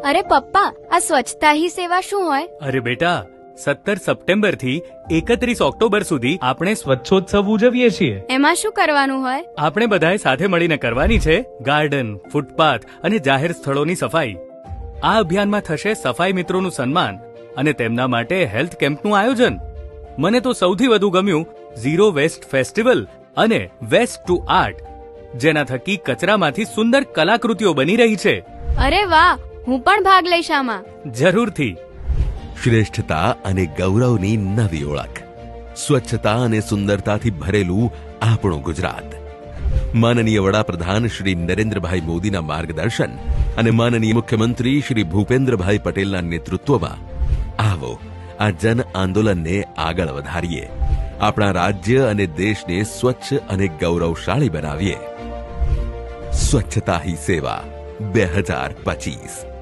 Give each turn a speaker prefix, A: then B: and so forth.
A: અરે પપ્પા, આ સ્વચ્છતા હી સેવા શું હોય?
B: અરે બેટા, 17 સપ્ટેમ્બર થી 31 ઓક્ટોબર સુધી આપણે સ્વચ્છોત્સવ ઉજવીએ છીએ.
A: એમાં શું કરવાનું હોય?
B: આપણે બધાએ સાથે મળીને કરવાની છે ગાર્ડન, ફૂટપાથ અને જાહેર સ્થળોની સફાઈ. આ અભિયાનમાં થશે સફાઈ મિત્રોનું સન્માન અને તેમના માટે હેલ્થ કેમ્પનું આયોજન. મને તો સૌથી વધુ ગમ્યું ઝીરો વેસ્ટ ફેસ્ટિવલ અને વેસ્ટ ટુ આર્ટ, જેના થકી કચરામાંથી સુંદર કલાકૃતિઓ બની રહી છે.
A: અરે વાહ, હું પણ ભાગ લઈશ આમાં.
B: જરૂરથી.
C: શ્રેષ્ઠતા અને ગૌરવની નવી ઓળખ, સ્વચ્છતા અને સુંદરતાથી ભરેલું આપણું ગુજરાત. માનનીય વડાપ્રધાન શ્રી નરેન્દ્રભાઈ મોદીના માર્ગદર્શન અને માનનીય મુખ્યમંત્રી શ્રી ભૂપેન્દ્રભાઈ પટેલના નેતૃત્વમાં આવો આ જન આંદોલનને આગળ વધારીએ. આપણા રાજ્ય અને દેશને સ્વચ્છ અને ગૌરવશાળી બનાવીએ. સ્વચ્છતા હી સેવા 2025.